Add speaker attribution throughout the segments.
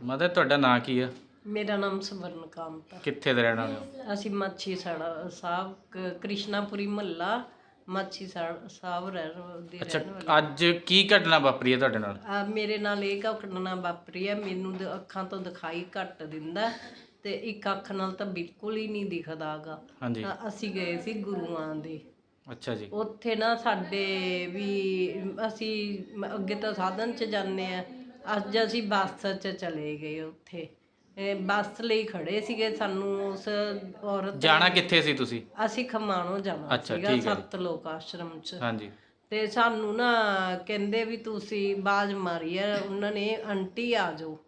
Speaker 1: Mother ਤੁਹਾਡਾ ਨਾਂ ਕੀ ਆ?
Speaker 2: ਮੇਰਾ ਨਾਮ ਸਵਰਨ ਕਾਂਤ ਹੈ।
Speaker 1: ਕਿੱਥੇ ਦੇ ਰਹਿਣ ਵਾਲੇ ਹੋ?
Speaker 2: ਅਸੀਂ ਮਾਛੀ ਸਾਹਿਬ ਕ੍ਰਿਸ਼ਨਾਪੁਰੀ ਮਹੱਲਾ ਮਾਛੀ ਸਾਹਿਬ ਦੇ
Speaker 1: ਅੱਛਾ,
Speaker 2: ਰਹਿਣ ਵਾਲੇ।
Speaker 1: ਅੱਜ ਕੀ ਘਟਨਾ ਵਾਪਰੀ ਹੈ ਤੁਹਾਡੇ ਨਾਲ?
Speaker 2: ਮੇਰੇ ਨਾਲ ਇਹ ਘਟਨਾ ਵਾਪਰੀ ਹੈ। ਮੈਨੂੰ ਅੱਖਾਂ ਤੋਂ ਦਿਖਾਈ ਘੱਟ ਦਿੰਦਾ ਤੇ ਇੱਕ ਅੱਖ ਨਾਲ ਤਾਂ ਬਿਲਕੁਲ ਹੀ ਨਹੀਂ ਦਿਖਦਾ ਗਾ।
Speaker 1: ਹਾਂਜੀ।
Speaker 2: ਅਸੀਂ ਗਏ ਸੀ ਗੁਰੂਆਂ ਦੇ।
Speaker 1: ਅੱਛਾ ਜੀ।
Speaker 2: ਉੱਥੇ ਨਾ ਸਾਡੇ ਵੀ ਅਸੀਂ ਅੱਗੇ ਤਾਂ ਸਾਧਨ 'ਚ ਜਾਂਦੇ ਆ, ਅੱਜ ਅਸੀਂ ਬੱਸ 'ਚ ਚਲੇ ਗਏ। ਉੱਥੇ ਬੱਸ ਲਈ ਖੜੇ ਸੀਗੇ। ਸਾਨੂੰ ਉਸ ਔਰਤ
Speaker 1: ਜਾਣਾ ਕਿੱਥੇ ਸੀ ਤੁਸੀਂ?
Speaker 2: ਅਸੀਂ ਖਮਾਣੋਂ ਜਾਣਾ ਸੀਗਾ ਸੱਤ ਲੋਕ ਆਸ਼ਰਮ 'ਚ।
Speaker 1: ਹਾਂਜੀ। ਤੇ
Speaker 2: ਸਾਨੂੰ ਨਾ ਕਹਿੰਦੇ ਵੀ ਤੁਸੀਂ ਆਵਾਜ਼ ਮਾਰੀ ਹੈ ਉਹਨਾਂ ਨੇ, ਆਂਟੀ ਆ ਜਾਓ।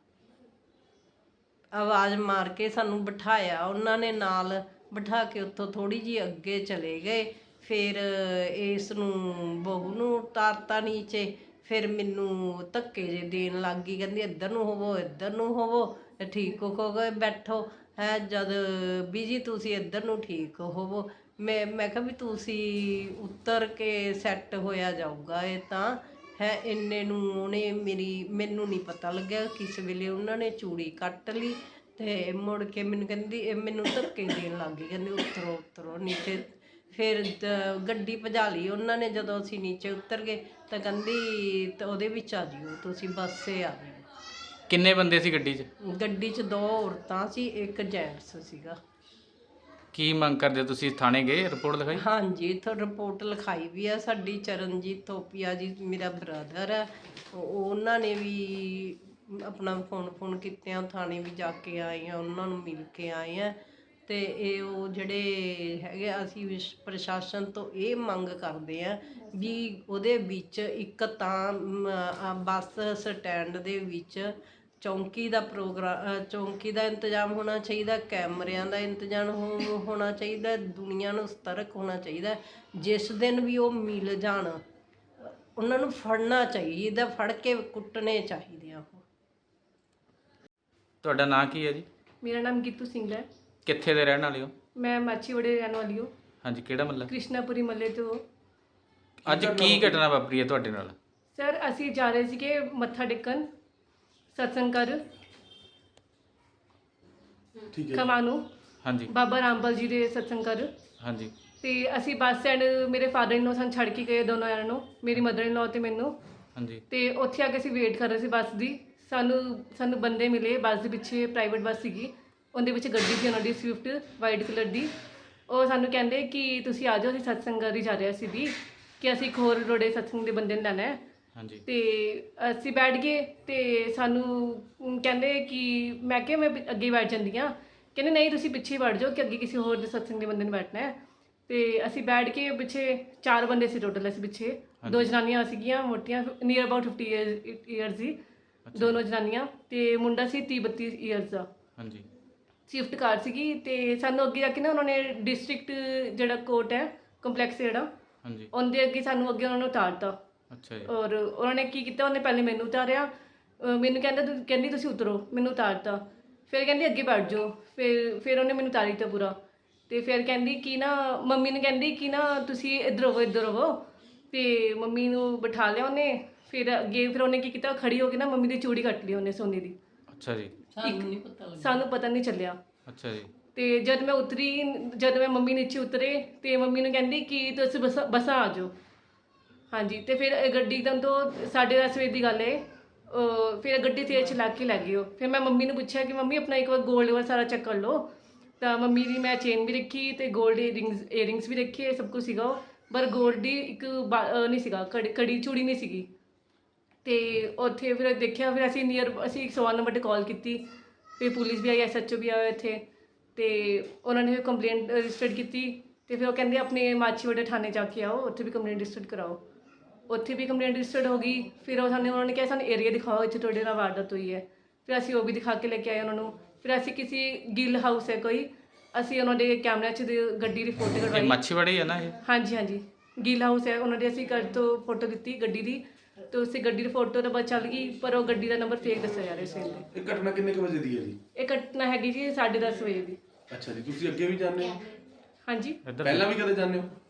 Speaker 2: ਆਵਾਜ਼ ਮਾਰ ਕੇ ਸਾਨੂੰ ਬਿਠਾਇਆ ਉਹਨਾਂ ਨੇ, ਨਾਲ ਬਿਠਾ ਕੇ ਉੱਥੋਂ ਥੋੜੀ ਜਿਹੀ ਅੱਗੇ ਚਲੇ ਗਏ। ਫਿਰ ਇਸ ਨੂੰ ਬਹੂ ਨੂੰ ਉਤਾਰਤਾ ਨੀਚੇ। ਫਿਰ ਮੈਨੂੰ ਧੱਕੇ ਜੇ ਦੇਣ ਲੱਗ ਗਈ, ਕਹਿੰਦੀ ਇੱਧਰ ਨੂੰ ਹੋਵੋ, ਇੱਧਰ ਨੂੰ ਹੋਵੋ, ਠੀਕ ਹੋ ਗਏ ਬੈਠੋ ਹੈ। ਜਦ ਵੀ ਜੀ ਤੁਸੀਂ ਇੱਧਰ ਨੂੰ ਠੀਕ ਹੋਵੋ। ਮੈਂ ਕਿਹਾ ਵੀ ਤੁਸੀਂ ਉਤਰ ਕੇ ਸੈੱਟ ਹੋਇਆ ਜਾਊਗਾ ਇਹ ਤਾਂ ਹੈ। ਇੰਨੇ ਨੂੰ ਉਹਨੇ ਮੈਨੂੰ ਨਹੀਂ ਪਤਾ ਲੱਗਿਆ ਕਿਸ ਵੇਲੇ ਉਹਨਾਂ ਨੇ ਚੂੜੀ ਕੱਟ ਲਈ ਤੇ ਮੁੜ ਕੇ ਮੈਨੂੰ ਕਹਿੰਦੀ, ਮੈਨੂੰ ਧੱਕੇ ਦੇਣ ਲੱਗ ਗਈ, ਕਹਿੰਦੀ ਉਤਰੋ ਉਤਰੋ ਨੀਚੇ। ਫਿਰ ਗੱਡੀ ਭਜਾ ਲਈ ਉਹਨਾਂ ਨੇ। ਜਦੋਂ ਅਸੀਂ ਨੀਚੇ ਉਤਰ ਗਏ ਤਾਂ ਕਹਿੰਦੀ ਤਾਂ ਉਹਦੇ ਵਿੱਚ ਆ ਜਿਓ ਤੁਸੀਂ, ਬੱਸੇ ਆ ਜਿਓ।
Speaker 1: ਕਿੰਨੇ ਬੰਦੇ ਸੀ ਗੱਡੀ 'ਚ?
Speaker 2: ਗੱਡੀ 'ਚ 2 ਔਰਤਾਂ ਸੀ, ਇੱਕ ਜੈਂਟਸ ਸੀਗਾ।
Speaker 1: ਕੀ ਮੰਗ ਕਰਦੇ ਤੁਸੀਂ? ਥਾਣੇ ਗਏ, ਰਿਪੋਰਟ ਲਿਖਾਈ?
Speaker 2: ਹਾਂਜੀ, ਇੱਥੋਂ ਰਿਪੋਰਟ ਲਿਖਾਈ ਵੀ ਆ। ਸਾਡੀ ਚਰਨਜੀਤ ਥੋਪੀਆ ਜੀ ਮੇਰਾ ਬ੍ਰਦਰ ਹੈ, ਉਹਨਾਂ ਨੇ ਵੀ ਆਪਣਾ ਫੋਨ ਕੀਤੇ ਆ। ਥਾਣੇ ਵੀ ਜਾ ਕੇ ਆਏ ਆ, ਉਹਨਾਂ ਨੂੰ ਮਿਲ ਕੇ ਆਏ ਆ। ਤੇ ਇਹ ਉਹ ਜਿਹੜੇ ਹੈਗੇ, ਅਸੀਂ ਪ੍ਰਸ਼ਾਸਨ ਤੋਂ ਇਹ ਮੰਗ ਕਰਦੇ ਆ ਵੀ ਉਹਦੇ ਵਿੱਚ ਇੱਕ ਤਾਂ ਬੱਸ ਸਟੈਂਡ ਦੇ ਵਿੱਚ ਚੌਂਕੀ ਦਾ ਇੰਤਜ਼ਾਮ ਹੋਣਾ ਚਾਹੀਦਾ, ਕੈਮਰਿਆਂ ਦਾ ਇੰਤਜ਼ਾਮ ਹੋਣਾ ਚਾਹੀਦਾ, ਦੁਨੀਆ ਨੂੰ ਸਤਰਕ ਹੋਣਾ ਚਾਹੀਦਾ। ਜਿਸ ਦਿਨ ਵੀ ਉਹ ਮਿਲ ਜਾਣ ਉਹਨਾਂ ਨੂੰ ਫੜਨਾ ਚਾਹੀਦਾ, ਫੜ ਕੇ ਕੁੱਟਣੇ ਚਾਹੀਦੇ ਆ। ਉਹ
Speaker 1: ਤੁਹਾਡਾ ਨਾਂ ਕੀ ਹੈ ਜੀ?
Speaker 3: ਮੇਰਾ ਨਾਮ ਗੀਤੂ ਸਿੰਘ ਹੈ।
Speaker 1: ਕਿੱਥੇ ਦੇ ਰਹਿਣ ਵਾਲੇ ਹੋ?
Speaker 3: ਮੈਂ ਮਾਛੀਵਾੜੇ ਰਹਿਣ ਵਾਲੀ ਹਾਂ।
Speaker 1: ਹਾਂਜੀ, ਕਿਹੜਾ ਮਹੱਲਾ?
Speaker 3: ਕ੍ਰਿਸ਼ਨਾਪੁਰੀ ਮਹੱਲੇ ਤੋਂ।
Speaker 1: ਅੱਜ ਕੀ ਘਟਨਾ ਵਾਪਰੀ ਹੈ ਤੁਹਾਡੇ ਨਾਲ?
Speaker 3: ਸਰ, ਅਸੀਂ ਜਾ ਰਹੇ ਸੀਗੇ ਮੱਥਾ ਟੇਕਣ ਸਤਸੰਗ ਘਰ ਖਮਾਣੋਂ।
Speaker 1: ਹਾਂਜੀ।
Speaker 3: ਬਾਬਾ ਰਾਮਪਾਲ ਜੀ ਦੇ ਸਤਸੰਗ ਘਰ।
Speaker 1: ਹਾਂਜੀ।
Speaker 3: ਤੇ ਅਸੀਂ ਬੱਸ ਸਟੈਂਡ, ਮੇਰੇ ਫਾਦਰ ਇਨ ਲੋ ਸਾਨੂੰ ਛੱਡ ਕੇ ਗਏ ਦੋਨੋਂ ਜਣਿਆਂ ਨੂੰ, ਮੇਰੀ ਮਦਰ ਇਨ ਲੋ ਤੇ ਮੈਨੂੰ।
Speaker 1: ਹਾਂਜੀ।
Speaker 3: ਤੇ ਉੱਥੇ ਆ ਕੇ ਅਸੀਂ ਵੇਟ ਕਰ ਰਹੇ ਸੀ ਬੱਸ ਦੀ। ਸਾਨੂੰ ਬੰਦੇ ਮਿਲੇ ਬੱਸ ਦੇ ਪਿੱਛੇ, ਪ੍ਰਾਈਵੇਟ ਬੱਸ ਸੀਗੀ, ਉਹਦੇ ਵਿੱਚ ਗੱਡੀ ਸੀ ਉਹਨਾਂ ਦੀ ਸਵਿਫਟ ਵਾਈਟ ਕਲਰ ਦੀ। ਉਹ ਸਾਨੂੰ ਕਹਿੰਦੇ ਕਿ ਤੁਸੀਂ ਆ ਜਾਓ, ਅਸੀਂ ਸਤਸੰਗ ਘਰ ਹੀ ਜਾ ਰਹੇ ਸੀ ਵੀ, ਕਿ ਅਸੀਂ ਇੱਕ ਹੋਰ ਰੋੜੇ ਸਤਸੰਗ ਦੇ ਬੰਦੇ ਨੂੰ ਲੈਣਾ ਹੈ।
Speaker 1: ਹਾਂਜੀ।
Speaker 3: ਤੇ ਅਸੀਂ ਬੈਠ ਗਏ ਤੇ ਸਾਨੂੰ ਕਹਿੰਦੇ ਕਿ ਮੈਂ ਕਿਹਾ ਮੈਂ ਅੱਗੇ ਬੈਠ ਜਾਂਦੀ ਹਾਂ। ਕਹਿੰਦੇ ਨਹੀਂ ਤੁਸੀਂ ਪਿੱਛੇ ਹੀ ਬੈਠ ਜਾਓ ਕਿ ਅੱਗੇ ਕਿਸੇ ਹੋਰ ਦੇ ਸਤਸੰਗ ਦੇ ਬੰਦੇ ਨੂੰ ਬੈਠਣਾ ਹੈ। ਤੇ ਅਸੀਂ ਬੈਠ ਕੇ ਪਿੱਛੇ 4 ਬੰਦੇ ਸੀ ਟੋਟਲ। ਅਸੀਂ ਪਿੱਛੇ 2 ਜਨਾਨੀਆਂ ਸੀਗੀਆਂ ਮੋਟੀਆਂ, ਨੀਅਰ ਅਬਾਊਟ 50 ਈਅਰਸ ਦੀ ਦੋਨੋਂ ਜਨਾਨੀਆਂ, ਤੇ ਮੁੰਡਾ ਸੀ 30-32 ਈਅਰਸ ਦਾ।
Speaker 1: ਹਾਂਜੀ।
Speaker 3: ਸ਼ਿਫਟ ਕਾਰ ਸੀਗੀ। ਤੇ ਸਾਨੂੰ ਅੱਗੇ ਜਾ ਕੇ ਨਾ ਉਹਨਾਂ ਨੇ ਡਿਸਟ੍ਰਿਕਟ ਜਿਹੜਾ ਕੋਰਟ ਹੈ ਕੰਪਲੈਕਸ ਜਿਹੜਾ,
Speaker 1: ਹਾਂਜੀ,
Speaker 3: ਉਹਦੇ ਅੱਗੇ ਸਾਨੂੰ ਅੱਗੇ ਉਹਨਾਂ ਨੂੰ ਉਤਾਰਤਾ।
Speaker 1: ਅੱਛਾ ਜੀ।
Speaker 3: ਔਰ ਉਹਨਾਂ ਨੇ ਕੀ ਕੀਤਾ, ਉਹਨੇ ਪਹਿਲੇ ਮੈਨੂੰ ਉਤਾਰਿਆ, ਮੈਨੂੰ ਕਹਿੰਦੀ ਤੁਸੀਂ ਉਤਰੋ, ਮੈਨੂੰ ਉਤਾਰਤਾ। ਫਿਰ ਕਹਿੰਦੀ ਅੱਗੇ ਬੈਠ ਜਾਓ। ਫਿਰ ਉਹਨੇ ਮੈਨੂੰ ਉਤਾਰ ਦਿੱਤਾ ਪੂਰਾ। ਤੇ ਫਿਰ ਕਹਿੰਦੀ ਕਿ ਨਾ ਮੰਮੀ ਨੇ ਕਹਿੰਦੀ ਕਿ ਨਾ ਤੁਸੀਂ ਇੱਧਰ ਹੋਵੋ, ਇੱਧਰ ਹੋਵੋ। ਤੇ ਮੰਮੀ ਨੂੰ ਬਿਠਾ ਲਿਆ ਉਹਨੇ। ਫਿਰ ਅੱਗੇ ਫਿਰ ਉਹਨੇ ਕੀ ਕੀਤਾ, ਖੜੀ ਹੋ ਕੇ ਨਾ ਮੰਮੀ ਦੀ ਚੂੜੀ ਕੱਟ ਲਈ ਉਹਨੇ ਸੋਨੇ ਦੀ।
Speaker 1: ਅੱਛਾ ਜੀ।
Speaker 3: ਸਾਨੂੰ ਪਤਾ ਨਹੀਂ ਚੱਲਿਆ।
Speaker 1: ਅੱਛਾ ਜੀ।
Speaker 3: ਤੇ ਜਦ ਮੈਂ ਮੰਮੀ ਨੀਚੇ ਉਤਰੇ ਤੇ ਮੰਮੀ ਨੂੰ ਕਹਿੰਦੀ ਕਿ ਤੁਸੀਂ ਬੱਸਾਂ ਆ ਜਾਓ। ਹਾਂਜੀ। ਤੇ ਫਿਰ ਗੱਡੀ ਤੋਂ 10:30 ਵਜੇ ਦੀ ਗੱਲ ਹੈ। ਫਿਰ ਗੱਡੀ ਤੇਜ਼ ਚਲਾ ਕੇ ਲੈ ਗਈ ਉਹ। ਫਿਰ ਮੈਂ ਮੰਮੀ ਨੂੰ ਪੁੱਛਿਆ ਕਿ ਮੰਮੀ ਆਪਣਾ ਇੱਕ ਵਾਰ ਗੋਲਡ ਵਾਲਾ ਸਾਰਾ ਚੈੱਕ ਕਰ ਲਓ। ਤਾਂ ਮੰਮੀ ਦੀ ਮੈਂ ਚੇਨ ਵੀ ਰੱਖੀ ਤੇ ਗੋਲਡ ਏਅਰਿੰਗਸ ਵੀ ਰੱਖੇ, ਸਭ ਕੁਝ ਸੀਗਾ। ਪਰ ਗੋਲਡ ਦੀ ਇੱਕ ਨਹੀਂ ਸੀਗਾ, ਕੜੀ ਚੂੜੀ ਨਹੀਂ ਸੀਗੀ। ਤੇ ਉੱਥੇ ਫਿਰ ਦੇਖਿਆ। ਫਿਰ ਅਸੀਂ 101 ਨੰਬਰ 'ਤੇ ਕਾਲ ਕੀਤੀ। ਫਿਰ ਪੁਲਿਸ ਵੀ ਆਈ, SHO ਵੀ ਆਇਆ ਇੱਥੇ। ਤੇ ਉਹਨਾਂ ਨੇ ਫਿਰ ਕੰਪਲੇਂਟ ਰਜਿਸਟਰ ਕੀਤੀ। ਤੇ ਫਿਰ ਉਹ ਕਹਿੰਦੇ ਆਪਣੇ ਮਾਛੀਵਾੜੇ ਥਾਣੇ ਜਾ ਕੇ ਆਓ, ਉੱਥੇ ਵੀ ਕੰਪਲੇਂਟ ਰਜਿਸਟਰ ਕਰਾਓ। ਉੱਥੇ ਵੀ ਕੰਪਲੇਂਟ ਰਜਿਸਟਰਡ ਹੋ ਗਈ। ਫਿਰ ਉਹਨਾਂ ਨੇ ਕਿਹਾ ਸਾਨੂੰ ਏਰੀਆ ਦਿਖਾਓ, ਇੱਥੇ ਤੁਹਾਡੇ ਨਾਲ ਵਾਰਦਾਤ ਹੋਈ ਹੈ। ਫਿਰ ਅਸੀਂ ਉਹ ਵੀ ਦਿਖਾ ਕੇ ਲੈ ਕੇ ਆਏ ਉਹਨਾਂ ਨੂੰ। ਫਿਰ ਅਸੀਂ ਕਿਸੇ ਗਿੱਲ ਹਾਊਸ ਹੈ ਕੋਈ, ਅਸੀਂ ਉਹਨਾਂ ਦੇ ਕੈਮਰਿਆਂ 'ਚ ਗੱਡੀ ਦੀ ਫੋਟੋ ਕਢਵਾਈ।
Speaker 1: ਮਾਛੀਵਾੜੇ ਹੈ ਨਾ ਇਹ?
Speaker 3: ਹਾਂਜੀ ਹਾਂਜੀ, ਗਿੱਲ ਹਾਊਸ ਹੈ ਉਹਨਾਂ ਦੇ। ਅਸੀਂ ਘਰ ਤੋਂ ਫੋਟੋ ਦਿੱਤੀ ਗੱਡੀ ਦੀ, ਤੇ ਉਸੇ ਗੱਡੀ ਦੀ ਫੋਟੋ ਤਾਂ ਬਸ ਚੱਲ ਗਈ, ਪਰ ਉਹ ਗੱਡੀ ਦਾ ਨੰਬਰ ਫੇਕ ਦੱਸਿਆ ਜਾ ਰਿਹਾ ਸੀ।
Speaker 4: ਇਹ ਘਟਨਾ ਕਿੰਨੇ ਕੁ ਵਜੇ ਦੀ ਹੈ ਜੀ?
Speaker 3: ਇਹ ਘਟਨਾ ਹੈਗੀ ਜੀ 10:30 ਵਜੇ ਦੀ।
Speaker 4: ਅੱਛਾ ਜੀ। ਤੁਸੀਂ ਅੱਗੇ ਵੀ ਜਾਂਦੇ ਹੋ?
Speaker 3: ਹਾਂਜੀ।
Speaker 4: ਪਹਿਲਾਂ ਵੀ ਕਦੇ ਜਾਂਦੇ ਹੋ?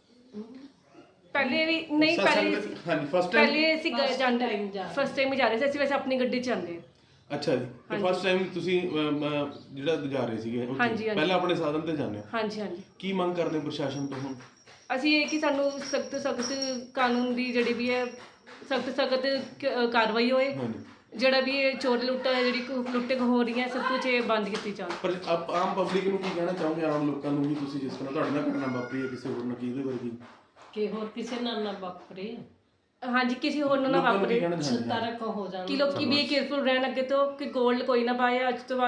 Speaker 3: ਪਹਿਲੇ ਵੀ ਨਹੀਂ,
Speaker 4: ਹਾਂਜੀ, ਫਸਟ ਟਾਈਮ।
Speaker 3: ਪਹਿਲੇ ਅਸੀਂ ਜਾਂਦੇ, ਫਸਟ ਟਾਈਮ ਹੀ ਜਾ ਰਹੇ ਸੀ ਅਸੀਂ। ਵੈਸੇ ਆਪਣੀ ਗੱਡੀ 'ਚ ਜਾਂਦੇ।
Speaker 4: ਅੱਛਾ ਜੀ ਤੇ ਫਸਟ ਟਾਈਮ ਤੁਸੀਂ ਜਿਹੜਾ ਜਾ ਰਹੇ ਸੀਗੇ ਉੱਥੇ,
Speaker 3: ਹਾਂਜੀ, ਹਾਂਜੀ।
Speaker 4: ਪਹਿਲਾਂ ਆਪਣੇ ਸਾਧਨ ਤੇ ਜਾਂਦੇ ਹੋ,
Speaker 3: ਹਾਂਜੀ ਹਾਂਜੀ
Speaker 4: ਕੀ ਮੰਗ ਕਰਦੇ ਹੋ ਪ੍ਰਸ਼ਾਸਨ ਤੋਂ ਹੁਣ?
Speaker 3: ਅਸੀਂ ਇਹ ਕਿ ਸਾਨੂੰ ਸਖਤ ਕਾਨੂੰਨ ਦੀ ਜਿਹੜੀ ਵੀ ਹੈ ਸਖਤ ਕਾਰਵਾਈ ਹੋਏ।
Speaker 4: ਹਾਂਜੀ
Speaker 3: ਜਿਹੜਾ ਵੀ ਇਹ ਚੋਰ ਲੁੱਟਾ ਹੈ ਜਿਹੜੀ ਲੁੱਟੇ ਹੋ ਰਹੀ ਹੈ ਸਭ ਕੁਝ ਇਹ ਬੰਦ ਕੀਤੀ ਜਾਵੇ।
Speaker 4: ਪਰ ਆਮ ਪਬਲਿਕ ਨੂੰ ਕੀ ਕਹਿਣਾ ਚਾਹੋਗੇ, ਆਮ ਲੋਕਾਂ ਨੂੰ ਵੀ, ਤੁਸੀਂ ਜਿਸ ਤਰ੍ਹਾਂ ਤੁਹਾਡੇ ਨਾਲ ਘਟਨਾ ਵਾਪਰੀ ਹੈ ਕਿਸੇ ਹੋਰ ਨਾਲ, ਕੀ ਇਹਦੇ ਵਰਗੀ
Speaker 2: ਕਿ ਹੋਰ ਕਿਸੇ ਨਾਲ ਨਾ ਵਾਪਰੇ
Speaker 3: ਹਾਂਜੀ ਕਿਸੇ ਹੋਰ ਨੂੰ ਨਾ
Speaker 4: ਲੋਕਾਂ ਨੂੰ ਕੀ
Speaker 3: ਵਾਪਰੇ
Speaker 4: ਕਹਿਣਾ ਚਾਹੁੰਦੇ ਹੋ?
Speaker 2: ਤਰਕ ਹੋ ਜਾਂਦਾ
Speaker 3: ਕਿ ਲੋਕੀ ਵੀ ਕੇਅਰਫੁਲ ਰਹਿਣ ਅੱਗੇ ਤੋਂ ਕਿ ਗੋਲਡ ਕੋਈ ਨਾ ਪਾਏ ਅੱਜ ਤੋਂ ਬਾਅਦ